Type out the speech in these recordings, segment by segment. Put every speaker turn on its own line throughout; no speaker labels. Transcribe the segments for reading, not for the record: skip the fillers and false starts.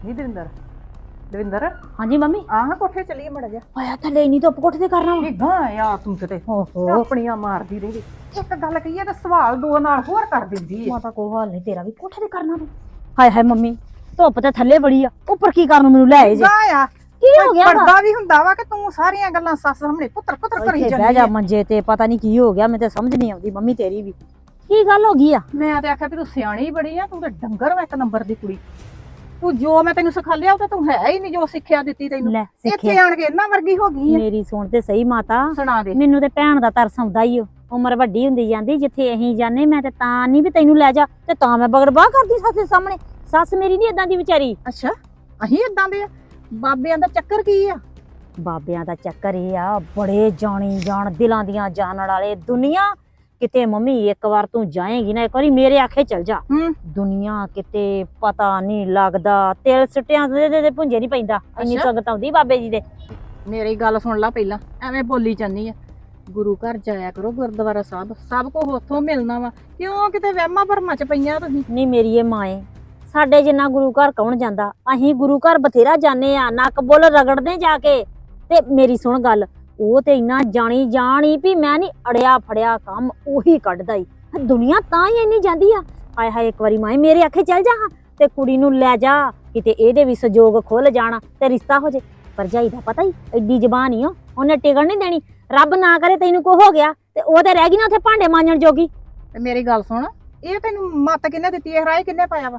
ਨੀ ਦਵਿੰਦਰ ਦਵਿੰਦਰ
ਹਾਂਜੀ ਮੰਮੀ
ਆਹ ਕੋਠੇ ਚੱਲੀਏ ਮੜਾ ਜਾ
ਆਇਆ ਥੱਲੇ ਨਹੀਂ ਧੁੱਪ ਕੋਠੇ ਤੇ ਕਰਨਾ ਵਾ
ਇਦਾਂ ਆ ਤੂੰ ਕਿਤੇ
ਓਹੋ
ਆਪਣੀਆਂ ਮਾਰਦੀ ਰਹੀ ਇੱਕ ਗੱਲ ਕਹੀਏ ਤਾਂ ਸਵਾਲ ਦੋ ਨਾਲ ਹੋਰ ਕਰ ਦਿੰਦੀ ਹੈ।
ਮਾਤਾ ਕੋ ਹਾਲ ਨਹੀਂ ਤੇਰਾ ਵੀ ਕੋਠੇ ਤੇ ਕਰਨਾ ਵਾ ਹਾਏ ਹਾਏ ਮੰਮੀ ਧੁੱਪ ਤੇ ਥੱਲੇ ਬੜੀ ਆ ਉੱਪਰ ਕੀ ਕਰਨ ਨੂੰ ਮੈਨੂੰ ਲੈ ਆਏ ਜੇ
ਆ
ਕੀ ਹੋ ਗਿਆ ਵਾ
ਪਰਦਾ ਵੀ ਹੁੰਦਾ ਵਾ ਕਿ ਤੂੰ ਸਾਰੀਆਂ ਗੱਲਾਂ ਸੱਸ ਸਾਹਮਣੇ ਪੁੱਤਰ ਪੁੱਤਰ ਕਰੀ
ਇੱਥੇ
ਜਾਂਦੀ
ਬਹਿ ਜਾ
ਹੈ।
ਮੰਜੇ ਤੇ ਪਤਾ ਨਹੀਂ ਕੀ ਹੋ ਗਿਆ ਮੈਨੂੰ ਤੇ ਸਮਝ ਨਹੀਂ ਆਉਂਦੀ ਮੰਮੀ ਤੇਰੀ ਵੀ ਕੀ ਗੱਲ ਹੋ ਗਈ ਆ
ਮੈਂ ਤੇ ਆਖਿਆ ਵੀ ਤੂੰ ਸਿਆਣੀ ਬੜੀ ਆ ਤੂੰ ਤੇ ਡੰਗਰ ਵਾ ਇੱਕ ਨੰਬਰ ਦੀ ਕੁੜੀ ਤੂੰ ਜੋ ਮੈਂ ਤੈਨੂੰ ਸਿਖਾਲਿਆ ਉਹ ਤਾਂ ਤੂੰ ਹੈ ਹੀ ਨਹੀਂ ਜੋ ਸਿੱਖਿਆ ਦਿੱਤੀ ਤੈਨੂੰ
ਲੈ
ਇੱਥੇ
ਸਿੱਖਿਆ
ਆਣ ਕੇ ਇਹਨਾਂ ਵਰਗੀ ਹੋ ਗਈ ਹੈ।
ਮੇਰੀ ਸੁਣ ਤੇ ਸਹੀ ਮਾਤਾ
ਸੁਣਾ ਦੇ
ਮੈਨੂੰ ਤੇ ਭੈਣ ਦਾ ਤਰਸ ਆਉਂਦਾ ਈ ਓ ਉਮਰ ਵੱਡੀ ਹੁੰਦੀ ਜਾਂਦੀ ਜਿੱਥੇ ਅਸੀਂ ਜਾਣੇ ਮੈਂ ਤੇ ਤਾਂ ਨਹੀਂ ਵੀ ਤੈਨੂੰ ਲੈ ਜਾ ਤੇ ਤਾਂ ਮੈਂ ਬਗੜਬਾਹ ਕਰਦੀ ਸੱਸ ਦੇ ਸਾਹਮਣੇ ਸੱਸ ਮੇਰੀ ਨਹੀਂ ਇਦਾਂ ਦੀ ਵਿਚਾਰੀ
ਅੱਛਾ ਅਹੀਂ ਇਦਾਂ ਦੇ ਆ ਬਾਬਿਆਂ ਦਾ ਚੱਕਰ ਕੀ ਆ
ਬਾਬਿਆਂ ਦਾ ਚੱਕਰ ਇਹ ਆ ਬੜੇ ਜਾਣੀ ਜਾਣ ਦਿਲਾਂ ਦੀਆਂ ਜਾਣਨ ਵਾਲੇ ਦੁਨੀਆ ਕਿਤੇ ਮੰਮੀ ਇੱਕ ਵਾਰ ਤੂੰ ਜਾਏਂਗੀ ਨਾ ਇੱਕ ਵਾਰੀ ਮੇਰੇ ਆਖੇ ਚਲ ਜਾ ਦੁਨੀਆ ਕਿਤੇ ਪਤਾ ਨਹੀਂ ਲੱਗਦਾ ਤੇਲ ਸਿੱਟਿਆਂ ਦੇ ਭੁੰਜੇ ਨਹੀਂ ਪੈਂਦਾ ਇੰਨੀ
ਅੱਛਾ।
ਸੰਗਤ ਆਉਂਦੀ ਬਾਬੇ ਜੀ ਦੇ
ਮੇਰੀ ਗੱਲ ਸੁਣ ਲੈ ਪਹਿਲਾਂ ਐਵੇਂ ਬੋਲੀ ਜਾਂਦੀ ਆ ਗੁਰੂ ਘਰ ਜਾਇਆ ਕਰੋ ਗੁਰਦੁਆਰਾ ਸਾਹਿਬ ਸਭ ਕੁਝ ਉੱਥੋਂ ਮਿਲਣਾ ਵਾ ਕਿਉਂ ਕਿਤੇ ਵਹਿਮਾਂ ਭਰਮਾਂ ਚ ਪਈਆਂ ਤੁਸੀਂ
ਨਹੀਂ ਮੇਰੀ ਇਹ ਮਾਂ ਏ ਸਾਡੇ ਜਿੰਨਾ ਗੁਰੂ ਘਰ ਕੌਣ ਜਾਂਦਾ ਅਸੀਂ ਗੁਰੂ ਘਰ ਬਥੇਰਾ ਜਾਂਦੇ ਆ ਨੱਕ ਬੁੱਲ ਰਗੜਦੇ ਜਾ ਕੇ ਤੇ ਮੇਰੀ ਸੁਣ ਗੱਲ ਉਹ ਤੇ ਇੰਨਾ ਜਾਣੀ ਵੀ ਮੈਂ ਨਹੀਂ ਅੜਿਆ ਫੜਿਆ ਕੰਮ ਉਹੀ ਕੱਢਦਾ ਈ ਦੁਨੀਆ ਤਾਂ ਹੀ ਇੰਨੀ ਜਾਂਦੀ ਆ ਹਾਏ ਹਾਏ ਇੱਕ ਵਾਰੀ ਮਾਏ ਮੇਰੇ ਆਖੇ ਚੱਲ ਜਾ ਤੇ ਕੁੜੀ ਨੂੰ ਲੈ ਜਾ ਕਿਤੇ ਇਹਦੇ ਵੀ ਸਜੋਗ ਖੁੱਲ ਜਾਣਾ ਤੇ ਰਿਸ਼ਤਾ ਹੋ ਜੇ ਭਰਜਾਈ ਦਾ ਪਤਾ ਹੀ ਐਡੀ ਜ਼ਬਾਨ ਹੀ ਉਹਨੇ ਟਿਕਣ ਨਹੀਂ ਦੇਣੀ ਰੱਬ ਨਾ ਕਰੇ ਤੈਨੂੰ ਕੋ ਹੋ ਗਿਆ ਤੇ ਉਹ ਤੇ ਰਹਿ ਗਈ ਨਾ ਉੱਥੇ ਭਾਂਡੇ ਮਾਂਜਣ ਜੋਗੀ
ਤੇ ਮੇਰੀ ਗੱਲ ਸੁਣ ਇਹ ਤੈਨੂੰ ਮੱਤ ਕਿੰਨੇ ਦਿੱਤੀ ਇਹ ਰਾਏ ਕਿੰਨੇ ਪਾਇਆ ਵਾ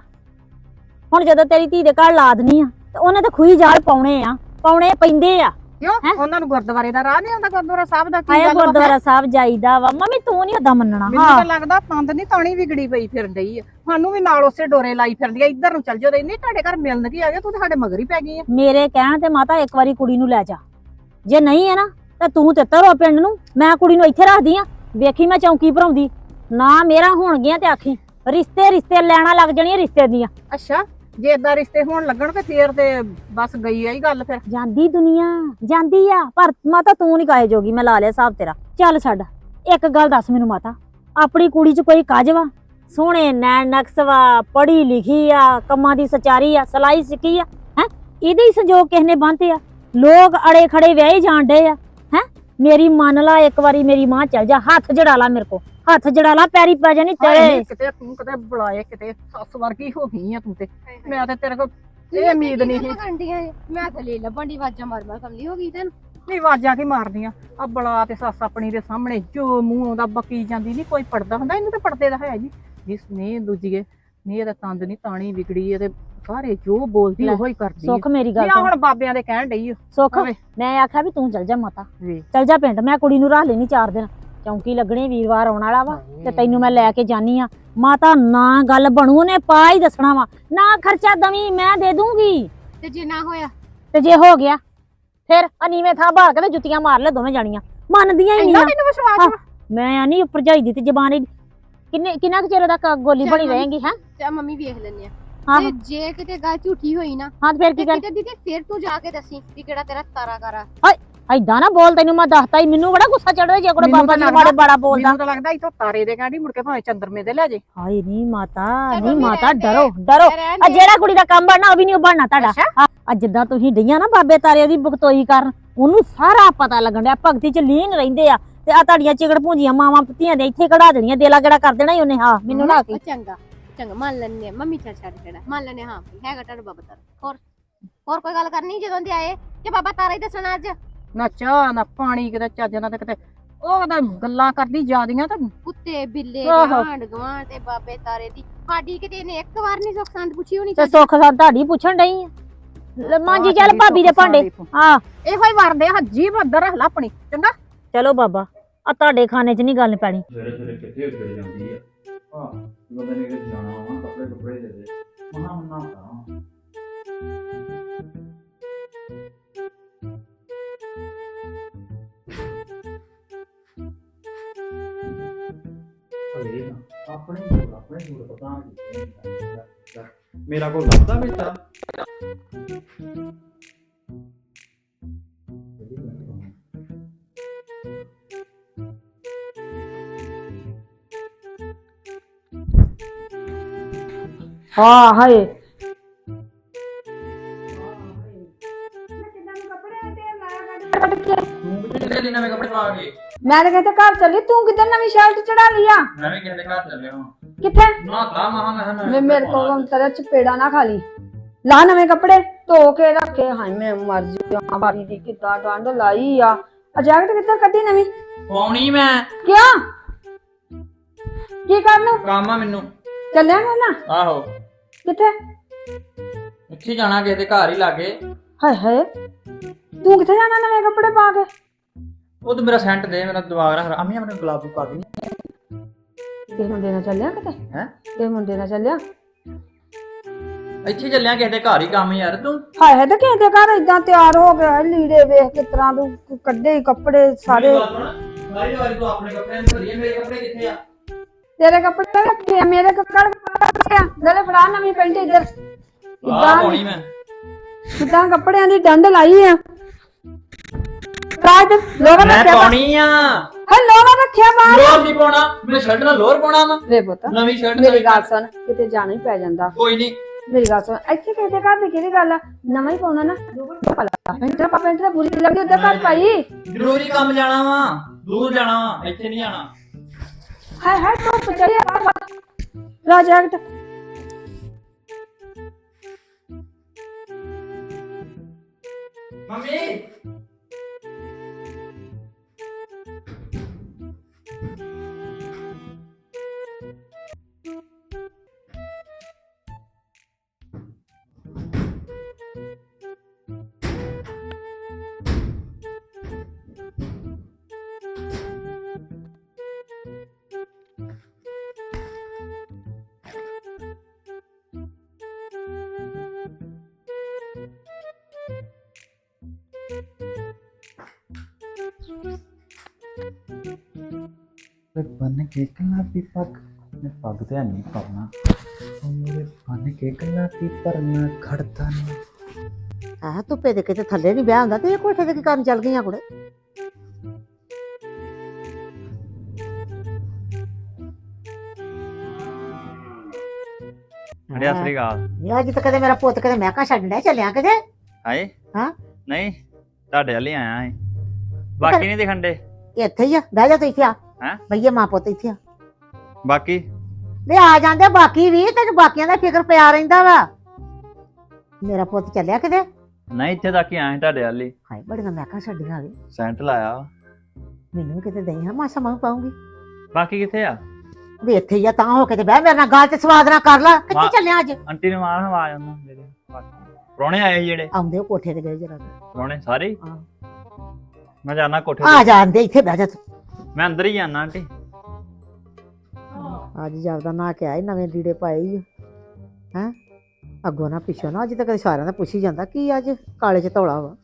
ਹੁਣ ਜਦੋਂ ਤੇਰੀ ਧੀ ਦੇ ਘਰ ਲਾਦਨੀ ਆ ਤੇ ਉਹਨੇ ਤਾਂ ਖੂਹੀ ਜਾਲ ਪਾਉਣੇ ਪੈਂਦੇ ਆ
ਕਿਉਂ ਉਹਨਾਂ ਨੂੰ ਗੁਰਦੁਆਰੇ ਦਾ ਰਾਹ ਨਹੀਂ ਆਉਂਦਾ ਗੁਰਦੁਆਰਾ ਸਾਹਿਬ ਦਾ ਕੀ
ਆਇਆ
ਗੱਲ ਵਾ?
ਗੁਰਦੁਆਰਾ ਸਾਹਿਬ ਜਾਈਦਾ ਵਾ ਮੰਮੀ ਤੂੰ ਨਹੀਂ ਓਦਾਂ ਮੰਨਣਾ
ਮੈਨੂੰ ਤਾਂ ਲੱਗਦਾ ਪੰਦ ਨਹੀਂ ਤਾਣੀ ਵਿਗੜੀ ਪਈ ਫਿਰਨ ਡਈ ਆ ਸਾਨੂੰ ਵੀ ਨਾਲ ਉਸੇ ਡੋਰੇ ਲਾਈ ਫਿਰਦੀ ਆ ਇੱਧਰ ਨੂੰ ਚੱਲ ਜਾਓ ਇੰਨੇ ਤੁਹਾਡੇ ਘਰ ਮਿਲਣ ਕੀ ਆ ਗਿਆ ਤੂੰ ਤਾਂ ਸਾਡੇ ਮਗਰ ਹੀ ਪੈ ਗਈ ਆ
ਮੇਰੇ ਕਹਿਣ ਤੇ ਮਾਤਾ ਇੱਕ ਵਾਰੀ ਕੁੜੀ ਨੂੰ ਲੈ ਜਾ ਜੇ ਨਹੀਂ ਹੈ ਨਾ ਤਾਂ ਤੂੰ ਤੇ ਤਰੋ ਪਿੰਡ ਨੂੰ ਮੈਂ ਕੁੜੀ ਨੂੰ ਇੱਥੇ ਰੱਖਦੀ ਆ ਵੇਖੀ ਮੈਂ ਚੌਂਕੀ ਭਰਾਉਂਦੀ ਨਾ ਮੇਰਾ ਹੋਣਗੀਆਂ ਤੇ ਆਖੀ ਰਿਸ਼ਤੇ ਲੈਣਾ ਲੱਗ ਜਾਣੀਆਂ ਰਿਸ਼ਤੇ ਦੀਆਂ
ਅੱਛਾ ਜੇ ਏਦਾਂ ਰਿਸ਼ਤੇ ਹੋਣ ਲੱਗਣ ਤੇ ਫੇਰ ਤੇ ਬਸ ਗਈ ਆਈ ਗੱਲ ਫਿਰ
ਜਾਂਦੀ ਦੁਨੀਆ ਜਾਂਦੀ ਆ ਪਰ ਮਾਤਾ ਤੂੰ ਨਹੀਂ ਕਾਹੇ ਜੋਗੀ ਮੈਂ ਲਾ ਲਿਆ ਹਿਸਾਬ ਤੇਰਾ ਚੱਲ ਛੱਡ ਇੱਕ ਗੱਲ ਦੱਸ ਮੈਨੂੰ ਮਾਤਾ ਆਪਣੀ ਕੁੜੀ 'ਚ ਕੋਈ ਕਾਜ ਵਾ ਸੋਹਣੇ ਨੈਣ ਨਕਸ਼ ਵਾ ਪੜ੍ਹੀ ਲਿਖੀ ਆ ਕੰਮਾਂ ਦੀ ਸਚਾਰੀ ਆ ਸਲਾਈ ਸਿੱਖੀ ਆ ਹੈ ਇਹਦੇ ਹੀ ਸੰਜੋਗ ਕਿਸ ਨੇ ਬੰਨ੍ਹਤੇ ਆ ਲੋਕ ਅੜੇ ਖੜੇ ਵਿਆਹੇ ਜਾਣ ਡੇ ਆ ਹੈ ਮੇਰੀ ਮੰਨ ਲਾ ਇੱਕ ਵਾਰੀ ਮੇਰੀ ਮਾਂ ਚੱਲ ਜਾ ਹੱਥ ਜੜਾ ਲਾ ਮੇਰੇ ਕੋ ਹੱਥ ਜੜਾ ਲਾ ਪੈਰੀ ਪੈ ਜਾਣੀ ਤੇਰੇ
ਕਿਤੇ ਤੂੰ ਕਿਤੇ ਬੁਲਾਏ ਕਿਤੇ ਸੱਸ ਵਰਗੀ ਹੋ ਗਈ ਆ ਤੂੰ ਤੇ ਮੈਂ ਤੇ ਤੇਰੇ ਕੋਲ ਇਹ ਉਮੀਦ ਨਹੀਂ ਸੀ
ਮੈਂ ਥੱਲੇ ਲੱਭਣ ਦੀ ਆਵਾਜ਼ਾਂ ਮਾਰ ਕਮਲੀ ਹੋ ਗਈ ਤੈਨੂੰ
ਨਹੀਂ ਆਵਾਜ਼ਾਂ ਕੀ ਮਾਰਦੀਆਂ ਆ ਬਲਾ ਤੇ ਸੱਸ ਆਪਣੀ ਦੇ ਸਾਹਮਣੇ ਜੋ ਮੂੰਹ ਆਉਂਦਾ ਬਕੀ ਜਾਂਦੀ ਨਹੀਂ ਕੋਈ ਪੜਦਾ ਹੁੰਦਾ ਇਹਨੂੰ ਤੇ ਪੜਦੇ ਦਾ ਹੈ ਜੀ ਜਿਸ ਨੇ ਦੂਜੀਏ ਨਹੀਂ ਇਹਦਾ ਤੰਦ ਨਹੀਂ ਤਾਣੀ ਵਿਗੜੀ ਇਹਦੇ ਸਾਰੇ ਜੋ ਬੋਲਦੀ ਉਹੋ ਹੀ ਕਰਦੀ
ਸੁੱਖ ਮੇਰੀ ਗੱਲ
ਆ ਹੁਣ ਬਾਬਿਆਂ ਦੇ ਕਹਿਣ ਡਈ
ਸੁੱਖ
ਹੋਵੇ।
ਮੈਂ ਆਖਿਆ ਵੀ ਤੂੰ ਚੱਲ ਜਾ ਮਾਤਾ
ਵੇ
ਚੱਲ ਜਾ ਪਿੰਡ ਮੈਂ ਕੁੜੀ ਨੂੰ ਰਾਹ ਲੈਣੀ 4 ਦਿਨ ਚੌਂਕੀ ਲੱਗਣੀ ਵੀਰਵਾਰ ਆਉਣ ਵਾਲਾ ਵਾ ਤੇ ਤੈਨੂੰ ਮੈਂ ਲੈ ਕੇ ਜਾਨੀ ਆ ਮਾਤਾ ਨਾ ਗੱਲ ਬਣੂ ਉਹਨੇ ਪਾ ਹੀ ਦੱਸਣਾ ਵਾ ਨਾ ਖਰਚਾ ਦਵੀਂ ਮੈਂ ਦੇ ਦੂੰਗੀ
ਤੇ ਜੇ ਨਾ ਹੋਇਆ
ਤੇ ਜੇ ਹੋ ਗਿਆ ਫਿਰ ਅਨੀਵੇਂ ਥਾਂ ਭਾਲ ਕੇ ਤੇ ਜੁੱਤੀਆਂ ਮਾਰ ਲੈ ਦੋਵੇਂ ਜਾਣੀਆਂ ਮੰਨਦੀਆਂ ਹੀ ਨਹੀਂ
ਇੰਨਾ ਤੈਨੂੰ ਵਿਸ਼ਵਾਸ ਵਾ?
ਮੈਂ ਨਹੀਂ ਭਰਜਾਈ ਦੀ ਤੇ ਜ਼ਬਾਨ ਕਿੰਨਾ ਕੁ ਚਿਰ ਤੱਕ ਗੋਲੀ ਬਣੀ ਰਹੇਗੀ ਹੈ
ਤੇ ਮੰਮੀ ਵੇਖ ਲੈਣੇ ਆ
ਹਾਂ
ਤੇ ਜੇ ਕਿਤੇ ਗੱਲ ਝੂਠੀ ਹੋਈ ਨਾ
ਹਾਂ ਤੇ ਫਿਰ ਕੀ
ਤੇ
ਕਰ
ਕਿਤੇ ਦੀਦੀ ਫਿਰ ਤੂੰ ਜਾ ਕੇ ਦੱਸੀ ਕਿ ਕਿਹੜਾ ਤੇਰਾ ਤਾਰਾ ਕਰਾ
ਐਦਾਂ ਨਾ ਬੋਲ ਤੈਨੂੰ ਮੈਂ ਦੱਸਤਾ ਹੀ ਮੈਨੂੰ ਬੜਾ ਗੁੱਸਾ ਚੜਦਾ ਜੇ ਕੋਈ
ਮੈਨੂੰ
ਬਾਬਾ
ਤਾਂ
ਜੀ ਮਾੜੇ ਬੜਾ ਬੋਲਦਾ
ਮੈਨੂੰ ਤਾਂ ਲੱਗਦਾ ਇਥੋਂ ਤਾਰੇ ਦੇ ਕਹਿੰਦੀ ਮੁੜ ਕੇ ਭਾਵੇਂ ਚੰਦਰਮੇ ਦੇ ਲੈ ਜੇ
ਹਾਏ ਨਹੀਂ ਮਾਤਾ
ਚੱਲ
ਨਹੀਂ
ਮੰਮੀ
ਮਾਤਾ
ਰਹਿਣ ਦੇ।
ਡਰੋ
ਰਹਿਣ
ਆ
ਦੇ।
ਜਿਹੜਾ ਕੁੜੀ ਦਾ ਕੰਮ ਬਣਨਾ ਉਹ ਵੀ ਨਹੀਂ ਬਣਨਾ ਤੁਹਾਡਾ
ਅੱਛਾ।
ਆ ਜਿੱਦਾਂ ਤੁਸੀਂ ਡਈਆਂ ਨਾ ਬਾਬੇ ਤਾਰੇ ਦੀ ਬਖਤੋਈ ਕਰਨ ਉਹਨੂੰ ਸਾਰਾ ਪਤਾ ਲੱਗਣ ਡਿਆ ਭਗਤੀ ਚ ਲੀਨ ਰਹਿੰਦੇ ਆ ਤੇ ਆ ਤੁਹਾਡੀਆਂ ਚਿਗੜ ਭੂੰਜੀਆਂ ਮਾਵਾਂ ਪਤੀਆਂ ਦੇ ਇੱਥੇ ਕਢਾ ਦੇਣੀਆਂ ਦੇਲਾ ਗੇੜਾ ਕਰ ਦੇਣਾ ਹੀ ਉਹਨੇ ਹਾਂ ਮੈਨੂੰ ਨਾ
ਉਹ ਚੰਗਾ ਮੰਨ ਲੈਣੇ ਮੰਮੀ ਛੱਡ ਕਿਹੜਾ ਮੰਨ ਲੈਣੇ ਹਾਂ ਹੈਗਾ ਤੁਹਾਡਾ ਬਾਬਾ ਤਾਰਾ ਹੋਰ ਕੋਈ ਗੱਲ ਕਰਨੀ ਜਦੋਂ ਦੇ ਆਏ ਕਿ ਬਾਬਾ ਤਾਰਾ ਹੀ ਦੱਸਣਾ ਅੱਜ
ਨਾ ਚਾਹ ਨਾ ਪਾਣੀ ਕਿਤੇ ਚੱਜ ਨਾਲ ਤੇ ਕਿਤੇ ਉਹ ਤਾਂ ਗੱਲਾਂ ਕਰਦੀ ਜਾਂਦੀਆਂ ਤਾਂ
ਕੁੱਤੇ ਬਿੱਲੇ
ਆਹੋ।
ਆਂਡ ਗਵਾਂਡ ਤੇ ਬਾਬੇ ਤਾਰੇ ਦੀ ਸਾਡੀ ਕਿਤੇ ਇਹਨੇ ਇੱਕ ਵਾਰ ਨਹੀਂ ਸੁੱਖ ਸੰਦ ਪੁੱਛੀ ਹੋਣੀ
ਤੇ ਸੁੱਖ ਸਾਂ ਤੁਹਾਡੀ ਪੁੱਛਣ ਡਈ ਆ ਮਾਂਜੀ ਚੱਲ ਭਾਬੀ ਦੇ ਭਾਂਡੇ ਹਾਂ
ਇਹੋ ਹੀ ਵਰਦੇ ਹੱਜੀ ਬੰਦਰ ਰੱਖ ਲਾ ਆਪਣੀ ਚੰਗਾ
ਚਲੋ ਬਾਬਾ ਆ ਤੁਹਾਡੇ ਖਾਨੇ 'ਚ ਨਹੀਂ ਗੱਲ ਪੈਣੀ
ਸਵੇਰੇ ਸਵੇਰੇ ਕਿੱਥੇ ਉੱਜੜ ਜਾਂਦੀ ਆ ਹਾਂ ਬੰਦੇ ਨੇ ਕਿਤੇ ਜਾਣਾ ਵਾ ਕੱਪੜੇ ਦੇ ਦੇ ਮਹਾ ਮੰਨਾ ਤਾਂ ਆਪਣੇ ਜੂੜ ਪਤਾ ਨਹੀਂ ਮੇਰਾ ਕੋਲ ਲੱਭਦਾ ਬੇਟਾ
ਹਾਂ ਹਾਏ
ਆ ਗਏ।
ਮੈਂ ਤਾਂ ਕਿਤੇ ਘਰ ਚੱਲੀ, ਤੂੰ ਕਿੱਧਰ ਨਵੀਂ ਸ਼ਰਟ ਚੜਾ ਲਈ ਆ?
ਮੈਂ ਵੀ ਕਿਸੇ ਦੇ ਘਰ ਚੱਲਿਆ ਹਾਂ।
ਕਿੱਥੇ?
ਨਾ ਤਾਂ ਮੈਂ
ਮੈਂ ਮੇਰੇ ਕੋਲ ਤੇਰਾ ਚਪੇੜਾ ਨਾ ਖਾ ਲਈ। ਲਾ ਨਵੇਂ ਕੱਪੜੇ ਧੋ ਕੇ ਰੱਖੇ। ਹਾਏ ਮੈਂ ਮਰ ਜਾ, ਬਾਰੀ ਦੀ ਕਿੱਦਾਂ ਡੰਡ ਲਾਈ ਆ। ਆ ਜੈਕਟ ਕਿੱਧਰ ਕੱਢੀ ਨਵੀਂ?
ਪਾਉਣੀ ਮੈਂ।
ਕਿਉਂ? ਕੀ ਕਰਨ?
ਕੰਮ ਆ ਮੈਨੂੰ।
ਚੱਲਿਆ ਨਾ?
ਆਹੋ।
ਕਿੱਥੇ?
ਉੱਥੇ ਜਾਣਾ ਕਿਸੇ ਦੇ ਘਰ ਹੀ ਲਾਗੇ।
ਹਾਏ ਹਾਏ, ਤੂੰ ਕਿੱਥੇ ਜਾਣਾ ਨਵੇਂ ਕੱਪੜੇ ਪਾ ਕੇ?
ਉਹ ਤੇ ਮੇਰਾ ਸੈਂਟ ਦੇ, ਮੇਰਾ ਦਿਮਾਗ ਨਾ ਅਮੀ ਆਪਣੇ ਗੁਲਾਬੀ ਪਾ ਦੇ।
ਕਿਸ ਮੁੰਡੇ ਨਾਲ ਚੱਲਿਆ ਕਿਤੇ?
ਹੈ
ਕਿਸ ਮੁੰਡੇ ਨਾਲ ਚੱਲਿਆ?
ਇੱਥੇ ਚੱਲਿਆ ਕਿਸੇ ਦੇ ਘਰ ਹੀ ਕੰਮ ਯਾਰ ਤੂੰ।
ਹਾਏ ਹਾਏ, ਤੇ ਕਿਸੇ ਦੇ ਘਰ ਏਦਾਂ ਤਿਆਰ ਹੋ ਗਿਆ, ਲੀੜੇ ਵੇਖ ਕਿਸ ਤਰ੍ਹਾਂ ਤੂੰ ਕੱਢੇ ਕੱਪੜੇ ਸਾਰੇ।
ਸਾਰੀ ਵਾਰੀ ਤੂੰ ਆਪਣੇ ਕੱਪੜਿਆਂ ਨੂੰ ਭਰੀ, ਮੇਰੇ ਕੱਪੜੇ ਕਿੱਥੇ ਆ?
ਤੇਰੇ ਕੱਪੜੇ ਰੱਖੇ ਆ, ਮੇਰੇ ਕੱਪੜੇ ਰੱਖੇ ਆ। ਨਾਲੇ ਫੜਾ ਨਵੀਂ ਪੈਂਟ ਇੱਧਰ।
ਆਹ ਪਾਉਣੀ ਮੈਂ।
ਕਿੱਦਾਂ ਕੱਪੜਿਆਂ ਦੀ ਡੰਡ ਲਾਈ ਆ। ਰਾਜ ਲੋਗਾ
ਮੈਂ
ਰੱਖਿਆ
ਪਾਉਣੀ ਆ।
ਹੈ, ਲੋਗਾ ਰੱਖਿਆ ਬਾਹਰ।
ਲੋਰ ਨਹੀਂ ਪਾਉਣਾ, ਮੈਂ ਸ਼ਰਟ ਨਾਲ ਲੋਰ ਪਾਉਣਾ ਵਾ।
ਵੇ ਪੁੱਤ,
ਨਵੀਂ ਸ਼ਰਟ
ਮੇਰੀ ਗੱਲ ਸੁਣ, ਕਿਤੇ ਜਾਣਾ ਹੀ ਪੈ ਜਾਂਦਾ।
ਕੋਈ ਨਹੀਂ।
ਮੇਰੀ ਗੱਲ ਸੁਣ, ਇੱਥੇ ਕਿਸੇ ਦੇ ਘਰ ਦੀ ਕਿਹੜੀ ਗੱਲ ਆ? ਨਵਾਂ ਹੀ ਪਾਉਣਾ ਨਾ। ਪੈਂਟ ਤਾਂ ਬੁਰੀ ਲੱਗਦੀ, ਉੱਧਰ ਘਰ ਪਾਈ।
ਜ਼ਰੂਰੀ ਕੰਮ ਜਾਣਾ ਵਾ, ਦੂਰ ਜਾਣਾ ਵਾ, ਇੱਥੇ ਨਹੀਂ ਜਾਣਾ।
ਹਾਏ ਹਾਏ, ਧੁੱਪ ਚੜੀ ਆ। ਪ੍ਰੋਜੈਕਟ
ਮੰਮੀ बन के गुलाबी पग मैं पग तो है नहीं पाना मेरे बन के गुलाबी पर मैं खड़ता नहीं।
ਆਹ ਧੁੱਪੇ ਦੇ ਕਿਤੇ ਥੱਲੇ ਨਹੀਂ ਵਿਆਹ ਹੁੰਦਾ ਤੇ ਇਹ ਕੋਠੇ ਤੇ ਕੀ ਕਰਨ ਚੱਲ ਗਈਆਂ ਕੁੜੇ?
ਅੜਿਆ ਸ੍ਰੀ ਅਕਾਲ।
ਇਹ ਅੱਜ ਤੱਕ ਕਦੇ ਮੇਰਾ ਪੁੱਤ ਕਦੇ ਮੈਂ ਕਾ ਛੱਡਣਾ ਚੱਲਿਆ ਕਿਤੇ?
ਹਾਏ
ਹਾਂ
ਨਹੀਂ ਤੁਹਾਡੇ ਵਾਲੀ ਆਇਆ ਸੀ, ਬਾਕੀ ਨਹੀਂ ਦਿਖਣ ਦੇ।
ਇੱਥੇ ਹੀ ਆ, ਬਹਿ ਜਾ ਤੂੰ ਇੱਥੇ ਆ।
ਹੈਂ?
ਭਈਏ ਮਾਂ ਪੁੱਤ ਇੱਥੇ ਆ।
ਬਾਕੀ
ਵੇ ਆ ਜਾਂਦੇ ਬਾਕੀ ਵੀ, ਤੈਨੂੰ ਬਾਕੀਆਂ ਦਾ ਫਿਕਰ ਪਿਆ ਰਹਿੰਦਾ ਵਾ। ਮੇਰਾ ਪੁੱਤ ਚੱਲਿਆ ਕਿਤੇ?
ਨਹੀਂ ਇੱਥੇ ਤੱਕ ਹੀ ਆਏ ਤੁਹਾਡੇ ਵਾਲੀ।
ਹਾਏ ਬੜੀਆਂ ਮੈਂ ਕਾ ਛੱਡੀਆਂ ਵੇ।
ਸੈਂਟ ਲਾਇਆ ਵਾ।
ਮੈਨੂੰ ਵੀ ਕਿਤੇ ਦਈ ਹਾਂ, ਮਾਸਾ ਮੈਂ ਪਾਉਂਗੀ।
ਬਾਕੀ ਕਿੱਥੇ ਆ?
ਵੀ ਇੱਥੇ ਹੀ ਆ, ਤਾਂ ਹੋ ਕੇ ਤੇ ਬਹਿ ਮੇਰੇ ਨਾਲ ਗੱਲ ਤੇ ਸਵਾਦ ਨਾਲ ਕਰ ਲੈ। ਕਿੱਥੇ ਚੱਲਿਆ ਅੱਜ?
ਆਂਟੀ ਨੂੰ ਮਾਰ ਆਵਾਜ਼ ਉਹਨੂੰ ਮੇਰੇ। ਪ੍ਰਾਹੁਣੇ ਆਏ ਸੀ ਜਿਹੜੇ।
ਆਉਂਦੇ ਉਹ ਕੋਠੇ ਤੇ ਗਏ ਜਰਾ।
ਪ੍ਰਾਹੁਣੇ ਸਾਰੇ ਹੀ?
ਹਾਂ।
ਮੈਂ ਜਾਣਾ ਕੋਠੇ
ਆ
ਤੇ।
ਜਾਂਦੇ ਇੱਥੇ ਬਹਿ ਜਾ ਤੂੰ।
ਮੈਂ ਅੰਦਰ ਹੀ ਜਾਣਾ ਆਂਟੀ।
ਅੱਜ ਜਾਪਦਾ ਨਾ ਕਿ ਆਏ ਨਵੇਂ ਲੀੜੇ ਪਾਏ ਹੀ ਹੈ। ਅੱਗੋਂ ਨਾ ਪਿੱਛੋਂ ਨਾ, ਅੱਜ ਤੱਕ ਸਾਰਿਆਂ ਦਾ ਪੁੱਛੀ ਜਾਂਦਾ ਕੀ ਅੱਜ ਕਾਲੇ ਚ ਧੌਲਾ ਵਾ।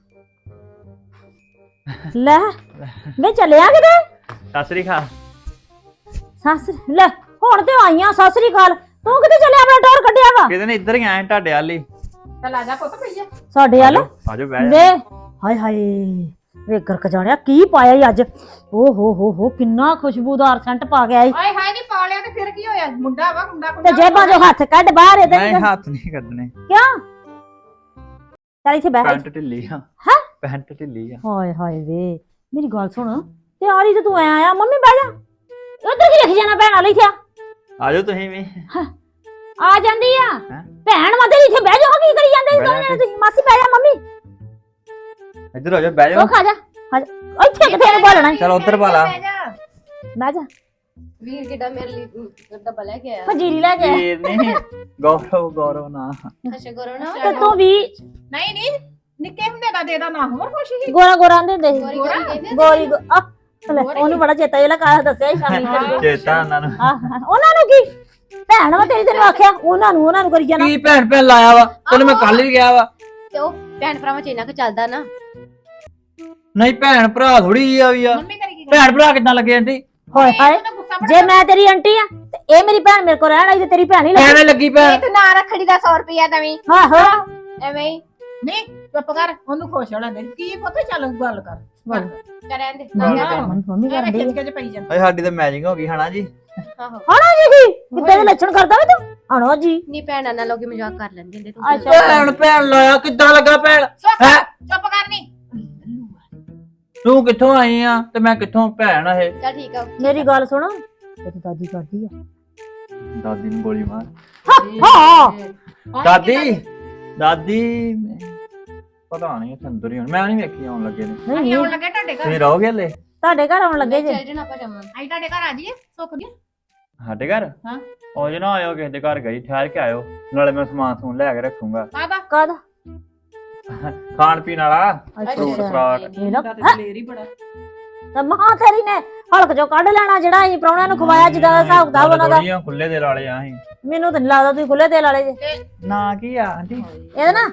ਲੈ ਵੇ ਚੱਲਿਆ ਕਿਤੇ?
ਸਤਿ ਸ੍ਰੀ ਅਕਾਲ।
ਸੱਸ ਲੈ ਹੁਣ ਤੇ ਆਈਆਂ ਸਤਿ ਸ੍ਰੀ ਅਕਾਲ। ਤੂੰ ਕਿਤੇ ਚੱਲਿਆ, ਆਪਣਾ ਟੌਰ ਕੱਢਿਆ ਵਾ?
ਕਿਤੇ ਨੇ ਇੱਧਰ ਹੀ ਆਏ ਤੁਹਾਡੇ ਵਾਲੀ।
ਚੱਲ ਆ ਜਾ ਪੁੱਤ ਭਈਆ।
ਸਾਡੇ ਵੱਲ
ਆਜੋ ਬਹਿ ਜਾ।
ਵੇ ਹਾਏ ਹਾਏ ਵੇ ਗਰਕ ਜਾਣਿਆ ਕੀ ਪਾਇਆ ਈ ਅੱਜ। ਓ ਹੋ ਕਿੰਨਾ ਖੁਸ਼ਬੂਦਾਰ ਸੈਂਟ ਪਾ ਗਿਆ ਈ।
ਹਾਏ ਹਾਏ ਨਹੀਂ ਪਾ ਲਿਆ ਤੇ ਫਿਰ ਕੀ ਹੋਇਆ? ਮੁੰਡਾ ਵਾ, ਮੁੰਡਾ
ਤੇ ਜੇਬਾਂ ਚੋਂ ਹੱਥ ਕੱਢ ਬਾਹਰ ਇਹਦੇ।
ਨਹੀਂ ਹੱਥ ਨਹੀਂ ਕੱਢਣੇ।
ਕਿਉਂ? ਚੱਲ ਇੱਥੇ ਬਹਿ।
ਪੈਂਟ ਢਿੱਲੀ ਆ।
ਹੈਂ?
ਪੈਂਟ ਢਿੱਲੀ ਆ।
ਹਾਏ ਹਾਏ ਵੇ ਮੇਰੀ ਗੱਲ ਸੁਣ, ਤਿਆਰੀ ਤੇ ਤੂੰ ਆਇਆ ਮੰਮੀ ਬਹਿ ਜਾ। ਉਧਰ ਕੀ ਰੱਖ ਜਾਣਾ ਭੈਣ ਵਾਲੀ ਇੱਥੇ?
ਆਜੋ ਤੁਸੀਂ ਵੀ।
ਆ ਜਾਂਦੀ ਆ
ਹੈਂ?
ਭੈਣ ਮਦਰ ਇੱਥੇ ਬਹਿ ਜਾ। ਕੀ ਕਰੀ ਜਾਂਦੇ ਦੋਵੇਂ ਜਣੇ ਤੁਸੀਂ? ਮਾਸੀ ਬਹਿ ਜਾ, ਮੰਮੀ
ਇੱਧਰ ਆ ਜਾ ਬਹਿ ਜਾ।
ਉਹ ਖਾ ਜਾ। ਇੱਥੇ ਕਿੱਥੇ ਨੂੰ ਬੋਲਣਾ?
ਚਲ ਉੱਧਰ ਪਾ ਲਾ।
ਬਹਿ ਜਾ।
ਵੀਰ ਕਿੱਡਾ ਮੇਰੇ ਲਈ ਡੱਬਾ ਲੈ ਕੇ ਆਇਆ।
ਫਜੀਰੀ ਲੈ ਕੇ
ਵੀਰ ਨਹੀਂ, ਗੌਰਵ ਨਾ।
ਅੱਛਾ ਕਰੋ ਨਾ।
ਤੇ ਤੂੰ ਵੀ
ਨਹੀਂ ਨਹੀਂ, ਨਿੱਕੇ ਹੁੰਦੇ ਦਾ ਦੇ ਦਾ ਨਾ ਹੋਰ ਕੁਛ ਹੀ।
ਗੋਰਾ ਗੋਰਾ ਆਂਦੇ ਹੁੰਦੇ ਸੀ।
ਗੋਰੀ ਗੋਰੀ ਕਹਿੰਦੇ
ਗੋਰੀ ਲੈ, ਉਹਨੂੰ ਬੜਾ ਚੇਤਾ ਜਿਹੜਾ ਕਾਹ ਦੱਸਿਆ ਸੀ ਸ਼ਾਮੀ।
ਚੇਤਾ ਉਹਨਾਂ ਨੂੰ।
ਉਹਨਾਂ ਨੂੰ ਕੀ ਭੈਣ ਵਾ ਤੇਰੀ, ਤੈਨੂੰ ਆਖਿਆ ਉਹਨਾਂ ਨੂੰ ਕਰੀ ਜਾਣਾ।
ਕੀ ਭੈਣ ਲਾਇਆ ਵਾ ਤੈਨੂੰ? ਮੈਂ ਕੱਲ ਵੀ ਗਿਆ ਵਾ।
ਤੇ ਉਹ ਭੈਣ ਭਰਾਵਾਂ ਚ ਇੰਨਾ ਕੁ ਚੱਲਦਾ ਨਾ।
ਨਹੀਂ ਭੈਣ ਭਰਾ ਥੋੜੀ ਆ ਵੀ ਆ।
ਮੰਮੀ ਕਰੀ ਕੀ
ਭੈਣ ਭਰਾ ਕਿੱਦਾਂ ਲੱਗੇ ਆਂਟੀ?
ਹੋਏ ਹਾਏ, ਜੇ ਮੈਂ ਤੇਰੀ ਆਂਟੀ ਆ ਤੇ ਇਹ ਮੇਰੀ ਭੈਣ ਮੇਰੇ ਕੋਲ ਰਹਿਣ ਆਈ ਤੇ ਤੇਰੀ ਭੈਣ ਹੀ ਲੱਗੀ।
ਐਵੇਂ ਲੱਗੀ ਭੈਣ।
ਤੂੰ ਨਾ ਰੱਖੜੀ ਦਾ 100 ਰੁਪਇਆ ਦਵੀਂ
ਆਹੋ
ਐਵੇਂ ਹੀ
ਨਹੀਂ ਚੁੱਪ ਕਰ, ਉਹਨੂੰ ਖੁਸ਼ ਹੋਣਾ ਦੇ। ਕੀ ਪੁੱਤ ਚੱਲ ਗੱਲ ਕਰ।
ਕਰਨ ਦੇ।
ਮੰਮੀ ਕਰਨ
ਖਿੱਚ
ਦੀ
ਕੇ ਜੇ ਪਈ ਜਾਂਦਾ।
ਓਏ ਸਾਡੀ ਤਾਂ ਮੈਚਿੰਗ ਹੋ ਗਈ ਹਨਾ ਜੀ।
ਆਹੋ
ਹਣਾ ਜੀ ਕਿੱਦਾਂ ਦੇ ਲੱਛਣ ਕਰਦਾ ਵੇ ਤੂੰ? ਹਣਾ ਜੀ
ਨੀ ਭੈਣਾਂ ਨਾਲ ਲੋਕੀ ਮਜ਼ਾਕ ਕਰ ਲੈਂਦੇ ਹੁੰਦੇ ਤੂੰ।
ਅੱਛਾ
ਭੈਣ ਲਾਇਆ ਕਿੱਦਾਂ ਲੱਗਾ ਭੈਣ?
ਚੁੱਪ ਕਰ ਨੀ।
ਤੂੰ ਕਿੱਥੋਂ ਆਈ ਆ ਤੇ ਮੈਂ ਕਿੱਥੋਂ ਭੈਣ ਆ ਇਹ।
ਚੱਲ ਠੀਕ ਆ
ਮੇਰੀ ਗੱਲ ਸੁਣ ਤੇਰੀ ਦਾਦੀ ਕਰਦੀ ਆ
ਦਾਦੀ ਨੂੰ ਗੋਲੀ ਮਾਰ।
ਹਾਂ
ਦਾਦੀ ਪਤਾ ਨਹੀਂ ਇੱਥੇ ਅੰਦਰ ਹੀ ਹੁਣ ਮੈਂ ਨਹੀਂ ਵੇਖੀ ਆਉਣ ਲੱਗੇ ਨੇ।
ਨਹੀਂ
ਆਉਣ ਲੱਗੇ ਤੁਹਾਡੇ ਘਰ
ਤੁਸੀਂ ਰਹੋਗੇ ਹਲੇ?
ਤੁਹਾਡੇ ਘਰ ਆਉਣ ਲੱਗੇ ਜੇ
ਚੱਲ ਜਣਾ ਆਪਾਂ ਜਾਵਾਂਗੇ ਅਸੀਂ ਤੁਹਾਡੇ ਘਰ ਆ ਜਾਈਏ ਸੁੱਖ ਦੀ
ਸਾਡੇ ਘਰ?
ਹਾਂ।
ਉਹ ਜੇ ਨਾ ਆਇਓ ਕਿਸੇ ਦੇ ਘਰ ਗਈ ਠਹਿਰ ਕੇ ਆਇਓ, ਨਾਲੇ ਮੈਂ ਸਮਾਨ ਸਮੂਨ ਲੈ ਕੇ ਰੱਖੂੰਗਾ
ਕਾਹਦਾ
ਕਾਹਦਾ
ਖਾਣ ਪੀਣ ਵਾਲਾ।
ਅੱਛਾ
ਫਰੂਟ
ਅੱਛਾ
ਫਰਾਟ।
ਮੇਰਾ
ਲੇਰ ਹੀ ਬੜਾ
ਤਾਂ ਮਾਂ ਤੇਰੀ ਨੇ ਹਲਕ ਚੋਂ ਕੱਢ ਲੈਣਾ ਜਿਹੜਾ ਅਸੀਂ ਪ੍ਰਾਹੁਣਿਆਂ ਨੂੰ ਖਵਾਇਆ ਜਿੱਦਾਂ ਦਾ ਹਿਸਾਬ ਕਿਤਾਬ ਉਹਨਾਂ ਦਾ।
ਥੋੜੀਆਂ ਖੁੱਲੇ ਦੇ ਲਾਲੇ ਆ ਅਸੀਂ।
ਮੈਨੂੰ ਤਾਂ ਨੀ ਲੱਗਦਾ ਤੁਸੀਂ ਖੁੱਲੇ ਤੇਲ ਵਾਲੇ ਜੇ।
ਨਾ ਕੀ ਆ ਆਂਟੀ?
ਇਹਦਾ ਨਾ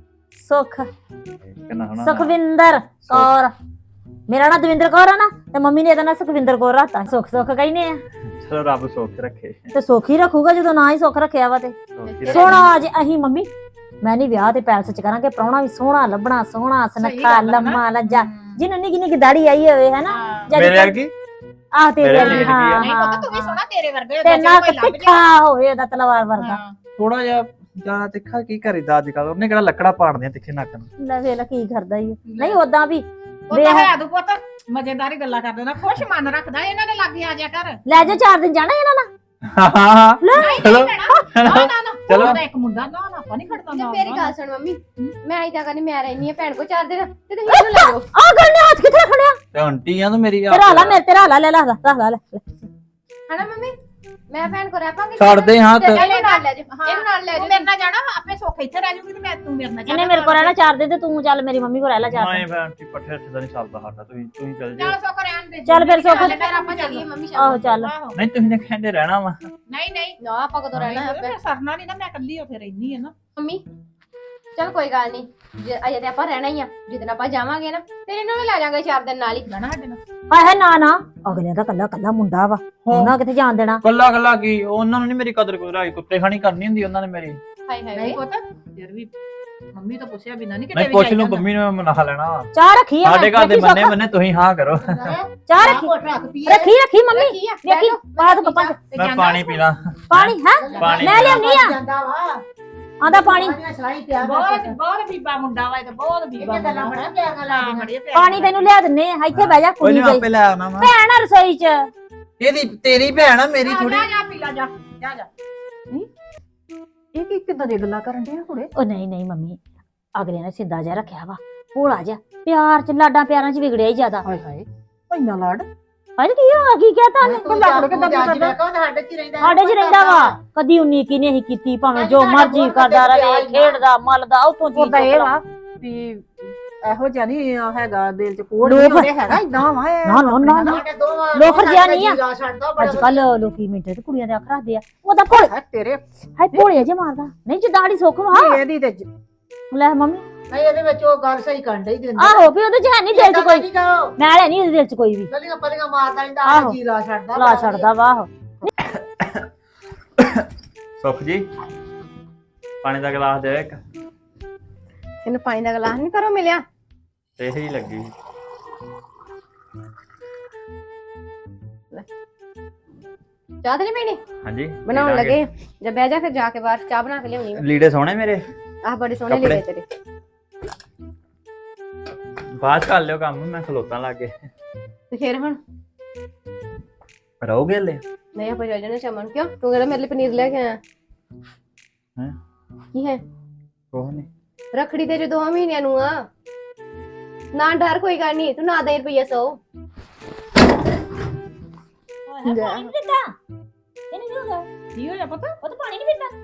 ਸੁਖ
ਕਿੰਨਾ ਹੋਣਾ?
ਸੁਖਵਿੰਦਰ ਕੌਰ। ਮੇਰਾ ਨਾਂ ਦਵਿੰਦਰ ਕੌਰ ਆ ਨਾ ਤੇ ਮੰਮੀ ਨੇ ਇਹਦਾ ਨਾਂ ਸੁਖਵਿੰਦਰ ਕੌਰ ਰੱਖਤਾ। ਸੁਖ ਸੁਖ ਕਹਿੰਦੇ ਆ
ਚਲੋ ਰੱਬ ਸੁੱਖ ਰੱਖੇ।
ਤੇ ਸੁਖ ਹੀ ਰੱਖੂਗਾ ਜਦੋਂ ਨਾ ਹੀ ਸੁਖ ਰੱਖਿਆ ਵਾ ਤੇ।
ਸੁੱਖ ਹੀ ਰੱਖੇ।
ਸੋਹਣਾ ਅੱਜ ਅਸੀਂ ਮੰਮੀ ਮੈਂ ਨਹੀਂ ਵਿਆਹ ਤੇ ਪੈਲਸ ਚ ਕਰਾਂਗੇ ਪ੍ਰਾਹੁਣਾ ਵੀ ਸੋਹਣਾ ਲੱਭਣਾ ਸੋਹਣਾ ਸੁਨੱਖਾ ਲੰਮਾ ਲੱਜਾ ਜਿਹਨੂੰ ਨਿੱਕੀ ਨਿੱਕੀ ਦਾੜੀ ਆਈ ਹੋਵੇ ਹੈਨਾ
ਮੇਰੇ ਵਰਗੀ?
ਆਹ ਤੇਰੇ
ਮੇਰੇ
ਵਰਗੀ
ਵਰਗੀ
ਹਾਂ
ਨਹੀਂ
ਹਾਂ
ਪਤਾ ਤੂੰ ਵੀ ਸੋਹਣਾ ਤੇਰੇ ਵਰਗਾ
ਤੇ ਨਾ ਤਿੱਖਾ ਹੋਵੇ ਉਹਦਾ ਤਲਵਾਰ ਵਰਗਾ।
ਥੋੜਾ ਜਿਹਾ ਜ਼ਿਆਦਾ ਤਿੱਖਾ ਕੀ ਕਰੀਦਾ ਅੱਜ ਕੱਲ? ਉਹਨੇ ਕਿਹੜਾ ਲੱਕੜਾ ਪਾੜਦੀਆਂ ਤਿੱਖੇ ਨੱਕ ਨੂੰ।
ਲੈ ਵੇਖ ਲੈ ਕੀ ਕਰਦਾ ਈ ਓ। ਨਹੀਂ ਉਦਾਂ ਵੀ
ਉਹ ਤਾਂ ਹੈ ਤੂੰ ਪੁੱਤ ਮਜ਼ੇਦਾਰੀ ਗੱਲਾਂ ਕਰਦੇ ਨਾ ਖੁਸ਼ ਮਨ ਰੱਖਦਾ ਇਹਨਾਂ ਦੇ ਲਾਗੇ ਆ ਜਾ ਕਰ।
ਲੈ ਜਾ 4 ਦਿਨ ਜਾਣਾ ਇਹਨਾਂ ਨਾਲ।
ਹਾਂ ਚਲੋ
ਨਾ ਨਾ ਨਾ
ਚਲੋ।
ਉਹਦਾ ਇੱਕ ਮੁੰਡਾ ਨਾ ਨਾ ਆਪਾਂ ਨਹੀਂ ਖੜਦਾ
ਤੇ
ਨਾ
ਮੇਰੀ ਗੱਲ ਸੁਣ ਮੰਮੀ ਮੈਂ ਇਦਾਂ ਕਰਨੀ ਮੈਂ ਰਹਿਨੀ ਆ ਭੈਣ ਕੋ 4 ਦਿਨ ਤੇ ਤੁਸੀਂ ਇਹਨੂੰ ਲੈ ਜਾਓ
ਆਹ ਗੱਲ ਨੇ ਹੱਥ ਕਿੱਥੇ ਰੱਖਣਿਆ
ਤੇ ਆਂਟੀ ਆ ਤੂੰ ਮੇਰੀ
ਤੇਰਾ ਲਾ ਮੇਰੇ ਤੇਰਾ ਲਾ ਲੈ ਲਾ ਲੈ
ਹਨਾ ਮੰਮੀ ਮੈਂ ਭੈਣ ਕੋ ਰਹਿ ਪਾਂਗੀ
ਛੱਡ ਦੇ ਹਾਂ ਤੇ
ਇਹਨੂੰ ਨਾਲ ਲੈ ਜਾਓ ਇਹਨੂੰ ਨਾਲ ਲੈ
ਤੂੰ
ਜਾਓ
ਮੇਰੇ ਨਾਲ ਜਾਣਾ ਆਪੇ ਸੁੱਖ ਇੱਥੇ ਰਹਿ ਜੂਗੀ ਤੇ ਮੈਂ ਤੂੰ ਮੇਰੇ ਨਾਲ
ਇਹਨੇ ਮੇਰੇ ਕੋਲ ਰਹਿਣਾ 4 ਦਿਨ ਤੇ ਤੂੰ ਚੱਲ ਮੇਰੀ ਮੰਮੀ ਕੋਲ ਰਹਿ ਲੈ 4
ਮੈਂ
ਦਿਨ।
ਫਿਰ ਆਂਟੀ ਪੱਠੇ ਹੱਥ ਦਾ ਨਹੀਂ ਚੱਲਦਾ ਸਾਡਾ। ਤੁਸੀਂ ਚੱਲ
ਚੱਲ
ਜਿਓ।
ਸੁੱਖ ਰਹਿਣ ਦੇ
ਚੱਲ ਫਿਰ ਸੁੱਖ
ਫਿਰ ਆਪਾਂ ਚੱਲੀਏ ਮੰਮੀ
ਆਹੋ
ਸ਼ਾਮ
ਚੱਲ
ਆਹੋ
ਨਹੀਂ ਤੁਸੀਂ ਨੇ ਕਹਿੰਦੇ ਰਹਿਣਾ ਵਾ।
ਨਹੀਂ ਨਹੀਂ
ਨਾ ਆਪਾਂ ਕਦੋਂ ਰਹਿਣਾ ਹੈ
ਮੈਂ ਸਰਨਾ ਨਹੀਂ ਨਾ ਮੈਂ ਇਕੱਲੀ ਉੱਥੇ ਰਹਿਨੀ ਆ ਨਾ
ਮੰਮੀ ਚਲ ਕੋਈ ਗੱਲ ਨਹੀਂ ਅਜੇ ਤੇ ਆਪਾਂ ਰਹਿਣਾ ਹੀ ਆ ਜਿੱਦਣ ਆਪਾਂ ਜਾਵਾਂਗੇ ਨਾ ਫਿਰ ਇਹਨੂੰ ਵੀ ਲੈ ਜਾਾਂਗੇ 4 ਦਿਨ ਨਾਲ ਹੀ
ਜਾਣਾ ਸਾਡੇ ਨਾਲ
ਹਾਏ ਹਾਏ ਨਾ ਨਾ ਅਗਲਿਆਂ ਦਾ ਕੱਲਾ ਕੱਲਾ ਮੁੰਡਾ ਵਾ ਉਹਨਾਂ ਕਿੱਥੇ ਜਾਣ ਦੇਣਾ।
ਕੱਲਾ ਕੱਲਾ ਕੀ ਉਹਨਾਂ ਨੂੰ ਨਹੀਂ ਮੇਰੀ ਕਦਰ ਕੋਈ ਰਾਈ ਕੁੱਤੇ ਖਾਣੀ ਕਰਨੀ ਹੁੰਦੀ ਉਹਨਾਂ ਨੇ ਮੇਰੀ।
ਹਾਏ ਹਾਏ
ਨਹੀਂ ਪੁੱਤ ਫਿਰ ਵੀ ਮੰਮੀ ਤਾਂ ਪੁੱਛਿਆ ਬਿਨਾਂ ਨਹੀਂ
ਨਹੀਂ
ਕਿਤੇ
ਪੁੱਛ ਲੂ ਮੰਮੀ ਨੂੰ ਮੈਂ ਮਨਾ ਲੈਣਾ ਵਾ।
ਚਾਹ ਰੱਖੀ ਆ
ਸਾਡੇ ਘਰ ਦੇ ਬੰਨੇ ਬੰਨੇ ਤੁਸੀਂ ਹਾਂ ਕਰੋ।
ਚਾਹ ਰੱਖੀ ਮੰਮੀ
ਕੀ ਆ
ਵੇਖੀ ਪਾ ਦੋ ਕੱਪਾਂ ਚ
ਮੈਂ ਪਾਣੀ ਪੀਣਾ।
ਪਾਣੀ ਹੈ
ਪਾਣੀ
ਮੈਂ ਲਿਆਉਣੀ ਆ
ਜਾਂਦਾ ਵਾ
ਆਂਦਾ ਪਾਣੀ
ਬਹੁਤ ਬਹੁਤ ਬੀਬਾ ਮੁੰਡਾ ਵਾ ਇਹ ਤਾਂ ਬਹੁਤ ਬੀਬਾ ਮੁੰਡਾ ਬੜਾ ਪਿਆਰ ਨਾਲ ਬੜੀਆਂ ਪਿਆਰ
ਪਾਣੀ ਤੈਨੂੰ ਲਿਆ ਦਿੰਨੇ ਆ ਇੱਥੇ ਬਹਿ ਜਾ
ਕੋਈ
ਕੁੜੀ
ਨਹੀਂ
ਗਈ
ਆਪੇ ਲੈ ਆਉਣਾ ਵਾ।
ਭੈਣ ਆ ਰਸੋਈ ਚ।
ਇਹਦੀ ਤੇਰੀ ਭੈਣ ਆ ਮੇਰੀ ਥੋੜੀ।
ਜਾ ਪੀ ਲਾ ਜਾ ਜਾ ਜਾ ਇਹ ਕੀ ਕਿਦਾਂ ਦੀ ਗੱਲਾਂ ਕਰਨ ਦੇ ਹੁੜੇ
ਉਹ ਨਹੀਂ ਨਹੀਂ ਮੰਮੀ ਅਗਲੇ ਨੇ ਸਿੱਧਾ ਜਿਹਾ ਰੱਖਿਆ ਵਾ ਭੋਲਾ ਜਿਹਾ ਪਿਆਰ ਚ ਲਾਡਾਂ ਪਿਆਰਾਂ ਚ ਵਿਗੜਿਆ ਹੀ ਜ਼ਿਆਦਾ।
ਹਾਏ ਹਾਏ ਇੰਨਾ ਲਾੜ
ਅੱਜ ਕੀ ਹੋਇਆ ਕੀ ਕਹਤਾ ਨੇ
ਲਾੜ ਕਿਦਾਂ ਕਰਦਾ ਸਾਡੇ ਚ ਰਹਿੰਦਾ
ਸਾਡੇ ਚ ਰਹਿੰਦਾ ਵਾ ਕਦੀ ਉਨੀ ਕੀ ਨਹੀਂ ਕੀਤੀ ਭਾਵੇਂ ਜੋ ਮਰਜ਼ੀ ਕਰਦਾ ਰਵੇ ਖੇਡਦਾ ਮਲਦਾ ਉਤੋਂ ਚੀਜ਼
ਉਹਦਾ ਇਹ ਵਾ ਵੀ ਇਹੋ ਜਿਹਾ ਨਹੀਂ ਹੈਗਾ ਦਿਲ ਚ ਕੋੜ ਨਹੀਂ ਉਹਦੇ ਹੈਗਾ ਇਦਾਂ ਵਾ
ਨਾ ਨਾ ਨਾ ਲੋਫਰ ਜਿਹਾ ਨਹੀਂ ਆ। ਅੱਜ ਕੱਲ ਲੋਕੀ ਮਿੰਟੇ ਤੇ ਕੁੜੀਆਂ ਦੇ ਅੱਖ ਰੱਖਦੇ ਆ ਉਹਦਾ ਭੋਲੇ
ਤੇਰੇ
ਹਾਏ ਭੋਲੇ ਜੇ ਮਾਰਦਾ ਨਹੀਂ ਜਿੱਦਾੜੀ ਸੁੱਖ ਵਾ
ਇਹਦੀ ਤੇ
ਲੈ ਮੰਮੀ
ਨਹੀਂ ਇਹਦੇ ਵਿੱਚ ਉਹ ਗੱਲ ਸਹੀ ਕਰਨ ਡਈ ਦਿੰਦਾ
ਆਹੋ ਵੀ ਉਹਦੇ ਚ ਹੈ ਨਹੀਂ ਦਿਲ ਚ ਕੋਈ ਮੈਂ ਲੈ ਨਹੀਂ ਉਹਦੇ ਦਿਲ ਚ ਕੋਈ ਵੀ
ਗਲੀਆਂ ਪਲੀਆਂ ਮਾਰਦਾ ਰਹਿੰਦਾ
ਆਹੋ।
ਜੀ ਲਾ ਛੱਡਦਾ
ਲਾ ਛੱਡਦਾ ਵਾ ਆਹੋ
ਸੁੱਖ ਜੀ ਪਾਣੀ ਦਾ ਗਲਾਸ ਦੇ ਇੱਕ।
ਇਹਨੂੰ ਪਾਣੀ ਦਾ ਗਲਾਸ ਨਹੀਂ ਕਰੋ ਮਿਲਿਆ
ਇਹ ਹੀ ਲੱਗੀ।
ਚਾਹ ਤੇ ਨਹੀਂ ਪੀਣੀ
ਹਾਂਜੀ
ਬਣਾਉਣ ਲੱਗੇ ਜਦ ਬਹਿ ਜਾ ਫਿਰ ਜਾ ਕੇ ਬਾਹਰ ਚਾਹ ਬਣਾ ਕੇ ਲਿਆਉਣੀ ਮੈਂ
ਲੀੜੇ ਸੋਹਣੇ ਮੇਰੇ।
ਆਹ ਬੜੇ ਸੋਹਣੇ
ਕੱਪੜੇ।
ਲੱਗੇ ਤੇਰੇ
ਬਾਅਦ ਚ ਕਰ ਲਿਓ ਕੰਮ ਮੈਂ ਖਲੋਤਾਂ ਲੱਗੇ।
ਤੇ ਫਿਰ ਹੁਣ
ਰਹੋਗੇ ਹਲੇ?
ਨਹੀਂ ਆਪਾਂ ਜਾ ਜਾਣਾ ਚਮਨ ਕਿਉਂ ਤੂੰ ਕਹਿੰਦਾ ਮੇਰੇ ਲਈ ਪਨੀਰ ਲੈ ਕੇ ਆਇਆ
ਹੈਂ?
ਕੀ ਹੈ
ਕੋਹ ਨਹੀਂ
ਰੱਖੜੀ ਤੇ ਜੋ 2 ਮਹੀਨਿਆਂ ਨੂੰ ਆ ਨਾ ਡਰ ਕੋਈ ਗੱਲ ਨਹੀਂ ਤੂੰ ਨਾ ਦੇ ਰੁਪਈਆ 100
ਪਾਣੀ ਨਹੀਂ ਪੀਂਦਾ ਇਹਨੂੰ ਕੀ ਹੋ ਗਿਆ
ਕੀ ਹੋਇਆ ਪਤਾ
ਉਹ ਤਾਂ ਪਾਣੀ ਨਹੀਂ ਪੀਂਦਾ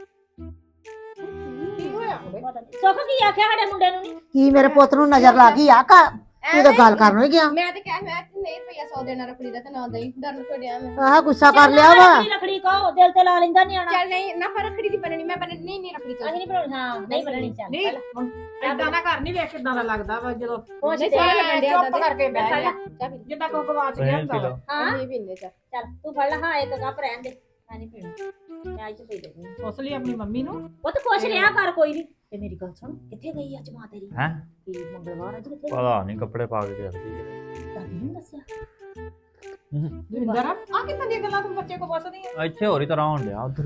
ਕੀ ਹੋਇਆ
ਸੁੱਖ ਕੀ ਆਖਿਆ ਸਾਡੇ ਮੁੰਡੇ ਨੂੰ ਨਹੀਂ
ਕੀ ਮੇਰੇ ਪੁੱਤ ਨੂੰ ਨਜ਼ਰ ਲੱਗ ਗਈ ਆ ਕਾ ਤੂੰ ਤਾਂ ਗੱਲ ਕਰਨ ਹੀ ਗਿਆ।
ਮੈਂ ਤੇ ਕਿਹਾ ਮੈਂ ਤੇ ਨਹੀਂ ਰੁਪਈਆ 100 ਦੇਣਾ ਰੱਖੜੀ ਦਾ ਤੇ ਨਾ ਦੇਈ ਡਰ ਨੂੰ ਡਿਆ ਮੈਂ
ਆਹ ਗੁੱਸਾ ਕਰ ਲਿਆ ਵਾ।
ਰੱਖੜੀ ਕੋ ਦਿਲ ਤੇ ਲਾ ਲੈਂਦਾ ਨਿਆਣਾ
ਚੱਲ ਨਹੀਂ ਨਾ ਪਰ ਰੱਖੜੀ ਦੀ ਬਣਨੀ ਮੈਂ ਬਣਨੀ ਨਹੀਂ ਰੱਖੜੀ
ਅਸੀਂ ਨਹੀਂ ਬਣਾਉਣੀ ਹਾਂ ਨਹੀਂ ਬਣਾਉਣੀ ਚੱਲ
ਨਹੀਂ ਇਦਾਂ ਦਾ ਘਰ ਨਹੀਂ ਵੇਖ ਕਿਦਾਂ ਦਾ ਲੱਗਦਾ ਵਾ ਜਦੋਂ
ਉਹ
ਨਹੀਂ
ਸੋਹਣਾ ਲੱਗਣ ਡਿਆ
ਚੁੱਪ ਕਰਕੇ ਬਹਿ ਗਿਆ
ਚਾਹ ਪੀ
ਜਿੱਦਾਂ ਕੋ ਗਵਾਚ ਗਿਆ ਹੁੰਦਾ ਵਾ
ਹਾਂ
ਨਹੀਂ ਪੀਂਦੇ ਚਾਹ
ਚੱਲ ਤੂੰ ਫੜ ਲੈ ਹਾਂ ਇੱਕ ਕੱਪ ਰਹਿਣ ਦੇ ਮੈਂ ਨਹੀਂ ਪੀਣੀ ਮੈਂ ਅੱਜ ਪੀ ਲੈਣੀ
ਉਸ ਲਈ ਆਪਣੀ ਮੰਮੀ ਨੂੰ
ਉਹ ਤਾਂ ਖੁਸ਼ ਰਿਹਾ ਕਰ ਕੋਈ ਨਹੀਂ ਤੇ ਮੇਰੀ ਗੱਲ ਸੁਣ ਕਿੱਥੇ ਗਈ ਅੱਜ ਮਾਂ ਤੇਰੀ
ਹੈ
ਕੀ ਮੰਗਲਵਾਰ ਅੱਜ ਕਿੱਥੇ
ਪਤਾ ਨਹੀਂ ਕੱਪੜੇ ਪਾ ਕੇ ਜਾਂਦੀ ਹੈ।
ਦਾਦੀ ਨੇ ਦੱਸਿਆ
ਦਵਿੰਦਰ ਆ ਕਿੱਦਾਂ ਦੀਆਂ ਗੱਲਾਂ ਤੂੰ ਬੱਚੇ ਕੋ ਪੁੱਛਦੀ ਆ
ਇੱਥੇ ਹੋਰ ਹੀ ਤਰ੍ਹਾਂ ਹੋਣ ਡਿਆ ਉਧਰ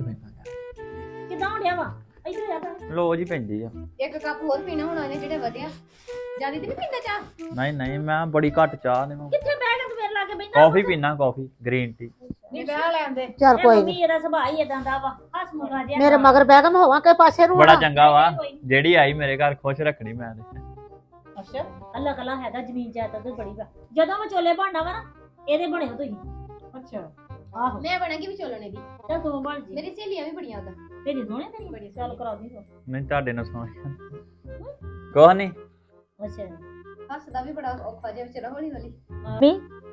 ਪੈਂਦਾ
ਕਿਦਾਂ ਹੋੜਿਆ ਵਾ ਇੱਧਰ ਆ ਭੈਣ
ਲੋ ਜੀ ਪੈਂਦੀ ਆ।
ਇੱਕ ਕੱਪ ਹੋਰ ਪੀਣਾ ਹੋਣਾ ਇਹਨੇ ਜਿਹੜੇ ਵਧਿਆ ਜਿਆਦਾ ਤੇ ਨਹੀਂ ਪੀਂਦਾ ਚਾਹ?
ਨਹੀਂ ਨਹੀਂ ਮੈਂ ਬੜੀ ਘੱਟ ਚਾਹ ਨੇ
ਕਿੱਥੇ ਬਹਿ ਕੇ ਤੂੰ ਮੇਰੇ ਲਾਗੇ ਬੈਠਾ
ਕਾਫੀ ਪੀਣਾ ਕਾਫੀ ਗ੍ਰੀਨ ਟੀ।
ਨਹੀਂ ਵਿਆਹ ਲੈਂਦੇ
ਚੱਲ ਕੋਈ
ਮੰਮੀ
ਨਹੀਂ
ਇਹਦਾ ਸੁਭਾਅ ਹੀ ਇਦਾਂ ਦਾ ਵਾ ਹੱਸ ਮੁਗਾ ਜਿਹਾ
ਮੇਰੇ ਮਗਰ ਬਹਿ ਕੇ ਮੈਂ ਹੋਵਾਂ ਕਿ ਪਾਸੇ ਨੂੰ
ਬੜਾ
ਹੋਣਾ?
ਚੰਗਾ ਵਾ ਜਿਹੜੀ ਆਈ ਮੇਰੇ ਘਰ ਖੁਸ਼ ਰੱਖਣੀ ਮੈਂ ਤੇ।
ਅੱਛਾ
ਅੱਲਾ ਕਲਾ ਹੈਗਾ ਜ਼ਮੀਨ ਜਾਇਦਾਦ ਤੇ ਬੜੀ ਵਾ ਜਦੋਂ ਮੈਂ ਚੋਲੇ ਬਣਨਾ ਵਾ ਨਾ ਇਹਦੇ ਬਣੇ ਹੋ ਤੁਸੀਂ
ਅੱਛਾ
ਆਹੋ
ਮੈਂ ਬਣਾਂਗੀ ਵੀ ਚੋਲਣੇ ਦੀ।
ਚੱਲ ਤੂੰ ਬਣ ਜੀ
ਮੇਰੀ ਸਹੇਲੀਆਂ ਵੀ ਬੜੀਆਂ ਉਹਦਾ।
ਤੇਰੀ ਸੋਹਣੇ ਤੇਰੀ ਬੜੀ ਚੱਲ ਕਰਾ ਦੀ
ਨਹੀਂ ਤੁਹਾਡੇ ਨਾਲ ਸੁਣ ਕੋਹ ਨਹੀਂ
ਅੱਛਾ
ਹੱਸਦਾ ਵੀ ਬੜਾ ਔਖਾ ਜਿਹਾ ਵਿਚਾਰਾ ਹੌਲੀ ਹੌਲੀ।
ਮੰਮੀ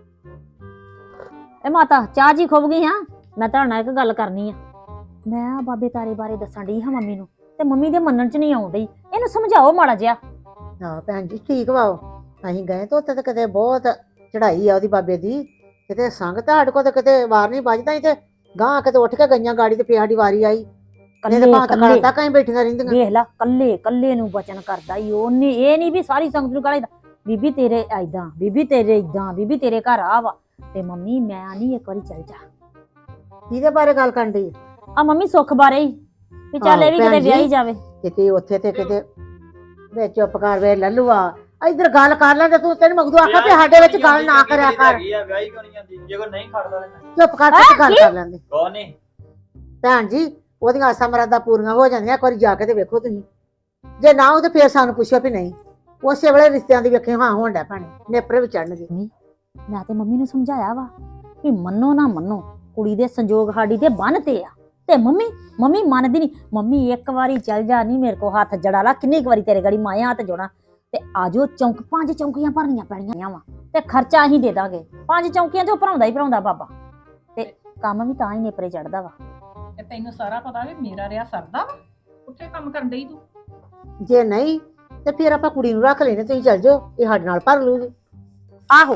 ਇਹ ਮਾਤਾ ਚਾਹ ਜੀ ਖੁੱਭ ਗਈ ਹਾਂ ਮੈਂ ਤੁਹਾਡੇ ਨਾਲ ਇੱਕ ਗੱਲ ਕਰਨੀ ਆ ਮੈਂ ਬਾਬੇ ਤਾਰੇ ਬਾਰੇ ਦੱਸਣ ਡਈ ਹਾਂ ਮੰਮੀ ਨੂੰ ਤੇ ਮੰਮੀ ਦੇ ਮੰਨਣ ਚ ਨਹੀਂ ਆਉਂਦੀ ਇਹਨੂੰ ਸਮਝਾਓ ਮਾੜਾ ਜਿਹਾ
ਹਾਂ ਭੈਣ ਜੀ ਠੀਕ ਵਾ ਉਹ। ਅਸੀਂ ਗਏ ਤਾਂ ਉੱਥੇ ਤਾਂ ਕਿਤੇ ਬਹੁਤ ਚੜਾਈ ਆ ਉਹਦੀ ਬਾਬੇ ਦੀ, ਕਿਤੇ ਸੰਗ ਤੁਹਾਡੇ ਕੋਲ ਤਾਂ ਕਿਤੇ ਵਾਰ ਨਹੀਂ ਵੱਜਦਾ, ਤੇ ਗਾਂ ਕਿਤੇ ਉੱਠ ਕੇ ਗਈਆਂ ਗਾੜੀ ਤੇ ਸਾਡੀ ਵਾਰੀ ਆਈ ਨਹੀਂ ਤੇ ਭਾਂ
ਕੱਲੇ
ਤੱਕ ਅਸੀਂ ਬੈਠੀਆਂ ਰਹਿੰਦੀਆਂ।
ਵੇਖ ਲਾ ਕੱਲੇ ਕੱਲੇ ਨੂੰ ਬਚਨ ਕਰਦਾ ਈ ਉਹਨੇ ਇਹ ਨਹੀਂ ਵੀ ਸਾਰੀ ਸੰਗਤ ਨੂੰ ਕਹਦਾ ਬੀਬੀ ਤੇਰੇ ਐਦਾਂ ਬੀਬੀ ਤੇਰੇ ਇਦਾਂ ਬੀਬੀ ਤੇਰੇ ਘਰ ਆ ਵਾ ਤੇ ਮੰਮੀ ਮੈਂ ਨਹੀਂ ਇੱਕ ਵਾਰੀ ਚੱਲ ਜਾ।
ਕਿਹਦੇ ਬਾਰੇ ਗੱਲ ਕਰਨ ਦੀ?
ਆ ਮੰਮੀ ਸੁੱਖ ਬਾਰੇ ਹੀ ਵੀ ਚੱਲ ਇਹ ਵੀ
ਭੈਣ
ਕਿਤੇ
ਜੀ।
ਵਿਆਹੀ ਜਾਵੇ
ਕਿਤੇ ਉੱਥੇ ਤੇ ਕਿਤੇ ਵੇ ਚੁੱਪ ਕਰ ਵੇ ਲੱਲੂਆ ਇੱਧਰ ਗੱਲ ਕਰ ਲੈ ਤੇ ਤੂੰ ਤੈਨੂੰ ਮਗਦੂ ਆਖਾ ਵੀ ਸਾਡੇ ਵਿੱਚ ਗੱਲ ਨਾ ਕਰਿਆ ਕਰ।
ਵਿਆਹੀ ਕਿਉਂ ਨਹੀਂ ਜਾਂਦੀ ਜੇ ਕੋਈ ਨਹੀਂ ਖੜਦਾ
ਚੁੱਪ ਕਰ ਤੇ ਗੱਲ ਕਰ ਲੈਂਦੇ।
ਕੋਹ ਨਹੀਂ
ਭੈਣ ਜੀ ਉਹਦੀਆਂ ਆਸਾਂ ਮਰਾਦਾਂ ਪੂਰੀਆਂ ਹੋ ਜਾਂਦੀਆਂ, ਇੱਕ ਵਾਰੀ ਜਾ ਕੇ ਤੇ ਵੇਖੋ ਤੁਸੀਂ, ਜੇ ਨਾ ਉਹ ਤੇ ਫੇਰ ਸਾਨੂੰ ਪੁੱਛੋ ਵੀ ਨਹੀਂ। ਉਸੇ ਵੇਲੇ ਰਿਸ਼ਤਿਆਂ ਦੀ ਵੇਖੇ ਹਾਂ ਹੋਣ ਡੈ ਭੈਣੇ ਨੇਪਰੇ ਵੀ ਚੜਨਗੇ।
ਮੈਂ ਤੇ ਮੰਮੀ ਨੂੰ ਸਮਝਾਇਆ ਵਾ ਵੀ ਮੰਨੋ ਨਾ ਮੰਨੋ ਕੁੜੀ ਦੇ ਸੰਜੋਗ ਸਾਡੀ ਤੇ ਬੰਨਤੇ ਆ ਤੇ ਮੰਮੀ ਮੰਨਦੀ ਨਹੀਂ। ਮੰਮੀ ਇੱਕ ਵਾਰੀ ਚੱਲ ਜਾ ਨਹੀਂ ਮੇਰੇ ਕੋ ਹੱਥ ਜੜਾ ਲਾ ਕਿੰਨੀ ਕੁ ਵਾਰੀ ਤੇਰੇ ਗੜੀ ਮਾਇਆ ਹੱਥ ਜੋੜਾਂ ਤੇ ਆਜੋ 5 ਚੌਂਕੀਆਂ ਭਰਨੀਆਂ ਪੈਣੀਆਂ ਵਾ ਤੇ ਖਰਚਾ ਅਸੀਂ ਦੇ ਦਾਂਗੇ 5 ਚੌਂਕੀਆਂ ਚੋਂ ਭਰਾਉਂਦਾ ਹੀ ਭਰਾਉਂਦਾ ਬਾਬਾ ਤੇ ਕੰਮ ਵੀ ਤਾਂ ਹੀ ਨੇਪਰੇ ਚੜਦਾ ਵਾ।
ਤੇ ਤੈਨੂੰ ਸਾਰਾ ਪਤਾ ਵੀ ਮੇਰਾ ਰਿਆ ਸਰਦਾ ਵਾ ਉੱਥੇ ਕੰਮ ਕਰਨ ਡਈ ਤੂੰ।
ਜੇ ਨਹੀਂ ਤੇ ਫਿਰ ਆਪਾਂ ਕੁੜੀ ਨੂੰ ਰੱਖ ਲੈਨੇ, ਤੁਸੀਂ ਚੱਲ ਜਾਓ, ਇਹ ਸਾਡੇ ਨਾਲ ਭਰ ਲੂਗੀ।
ਆਹੋ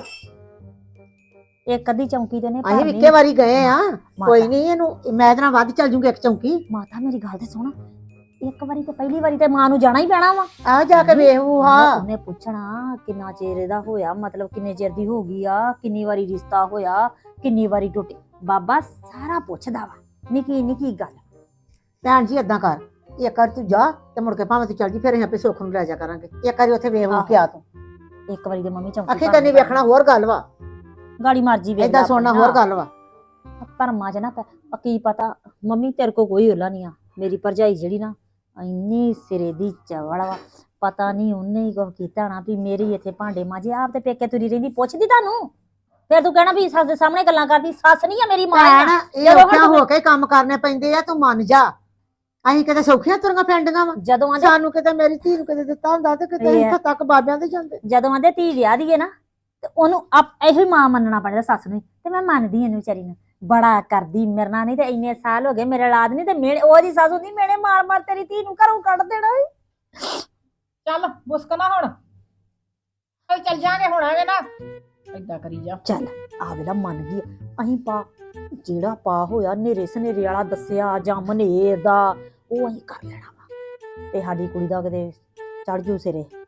ਇੱਕ ਅੱਧੀ ਚੌਂਕੀ ਤੇ ਨੇ
ਅਸੀਂ ਵੀ ਇੱਕੇ ਵਾਰੀ ਗਏ ਆ, ਕੋਈ ਨਹੀਂ ਇਹਨੂੰ ਮੈਂ ਇਹਦੇ ਨਾਲ ਵੱਧ ਚੱਲ ਜੂਗੀ ਇੱਕ ਚੌਂਕੀ।
ਮਾਤਾ ਮੇਰੀ ਗੱਲ ਤੇ ਸੁਣ ਇੱਕ ਵਾਰੀ ਤੇ ਪਹਿਲੀ ਵਾਰੀ ਤੇ ਮਾਂ ਨੂੰ ਜਾਣਾ ਹੀ ਪੈਣਾ ਵਾ।
ਆ ਜਾ ਕੇ ਵੇਖੂ ਹਾਂ।
ਉਹਨੇ ਪੁੱਛਣਾ ਕਿੰਨਾ ਚਿਰ ਇਹਦਾ ਹੋਇਆ, ਮਤਲਬ ਕਿੰਨੇ ਚਿਰ ਦੀ ਹੋ ਗਈ ਆ, ਕਿੰਨੀ ਵਾਰੀ ਰਿਸ਼ਤਾ ਹੋਇਆ, ਕਿੰਨੀ ਵਾਰੀ ਟੁੱਟੇ। ਬਾਬਾ ਸਾਰਾ ਪੁੱਛਦਾ ਵਾ ਨਿੱਕੀ ਨਿੱਕੀ ਗੱਲ।
ਭੈਣ ਜੀ ਏਦਾਂ ਕਰ, ਇੱਕ ਵਾਰ ਤੂੰ ਜਾ ਤੇ ਮੁੜ ਕੇ ਭਾਵੇਂ ਤੂੰ ਚੱਲ ਜੀ, ਫਿਰ ਅਸੀਂ ਆਪੇ ਸੁੱਖ ਨੂੰ ਲੈ ਜਾ ਕਰਾਂਗੇ। ਇੱਕ ਵਾਰੀ ਉੱਥੇ ਵੇਖ ਕੇ ਆ ਤੂੰ।
ਇੱਕ ਵਾਰੀ ਤੇ ਮੰਮੀ ਚੌਂਕੀ
ਅੱਖੀ ਕੰਨੀ ਵੇਖਣਾ ਹੋਰ ਗੱਲ ਵਾ,
ਗਾੜੀ ਮਰਜੀ ਵੇਖ
ਏਦਾਂ ਸੁਣਨਾ ਹੋਰ ਗੱਲ ਵਾ।
ਧਰਮਾਂ ਚ ਨਾ ਕੀ ਪਤਾ ਮੰਮੀ ਤੇਰੇ ਕੋ ਕੋਈ ਓਲਾ ਨਹੀਂ ਆ। ਮੇਰੀ ਭਰਜਾਈ ਜਿਹੜੀ ਨਾ ਇੰਨੀ ਸਿਰੇ ਦੀ ਚਵਲ ਵਾ, ਪਤਾ ਨਹੀਂ ਉਹਨੇ ਹੀ ਕੁਝ ਕੀਤਾ ਨਾ ਵੀ ਮੇਰੀ ਇੱਥੇ ਭਾਂਡੇ ਮਾਂਜੇ। ਆਪ ਤੇ ਪੇਕੇ ਤੁਰੀ ਰਹਿੰਦੀ ਪੁੱਛਦੀ ਤੁਹਾਨੂੰ, ਫਿਰ ਤੂੰ ਕਹਿਣਾ ਵੀ ਸੱਸ ਦੇ ਸਾਹਮਣੇ ਗੱਲਾਂ ਕਰਦੀ। ਸੱਸ ਨਹੀਂ ਆ ਮੇਰੀ ਮਾਂ
ਭੈਣ
ਆ।
ਇਹ ਔਖਿਆਂ ਹੋ ਕੇ ਕੰਮ ਕਰਨੇ ਪੈਂਦੇ ਆ, ਤੂੰ ਮੰਨ ਜਾ। ਅਸੀਂ ਕਿਤੇ ਸੌਖੀਆਂ ਤੁਰੀਆਂ ਪੈਂਦੀਆਂ ਵਾ,
ਜਦੋਂ ਆਂਦੇ
ਸਾਨੂੰ ਕਿਤੇ ਮੇਰੀ ਧੀ ਨੂੰ ਕਿਤੇ ਦਿੱਤਾ ਹੁੰਦਾ ਤੇ ਕਿਤੇ ਇੱਥੇ ਤੱਕ ਬਾਬਿਆਂ ਦੇ ਜਾਂਦੇ।
ਜਦੋਂ ਆਂਦੇ ਧੀ ਵਿਆਹ ਦੀਏ ਨਾ ਤੇ ਉਹਨੂੰ ਇਹੋ ਹੀ ਮਾਂ ਮੰਨਣਾ ਪੈਂਦਾ ਸੱਸ ਨੂੰ। ਤੇ ਮੈਂ ਮੰਨਦੀ ਇਹਨੂੰ ਵਿਚਾਰੀ ਨੂੰ, ਬੜਾ ਕਰਦੀ ਮੇਰੇ ਨਾਲ। ਨਹੀਂ ਤੇ ਇੰਨੇ ਸਾਲ ਹੋ ਗਏ ਮੇਰੇ ਔਲਾਦ ਨਹੀਂ ਤੇ ਮੇਰੇ ਉਹਦੀ ਸੱਸ ਹੁੰਦੀ ਮੇਰੇ ਮਾਰ ਮਾਰ ਤੇਰੀ ਧੀ ਨੂੰ ਘਰੋਂ ਕੱਢ ਦੇਣਾ।
ਚੱਲ ਮੁਸਕਣਾ ਹੁਣ, ਚੱਲ ਜਾਾਂਗੇ ਹੁਣ ਐਵੇਂ ਨਾ ਏਦਾਂ ਕਰੀ ਜਾ।
ਚੱਲ ਆ ਵੇਲਾ ਮੰਨ ਗਈ। ਅਸੀਂ ਪਾ ਜਿਹੜਾ ਪਾ ਹੋਇਆ ਨੇਰੇ ਸਨੇਰੇ ਵਾਲਾ ਦੱਸਿਆ ਜਾਂ ਮਨੇਰ ਦਾ ਉਹ ਅਸੀਂ ਕਰ ਲੈਣਾ ਵਾ ਤੇ ਸਾਡੀ ਕੁੜੀ ਦਾ ਕਿਤੇ ਚੜ ਜੂ ਸਿਰੇ।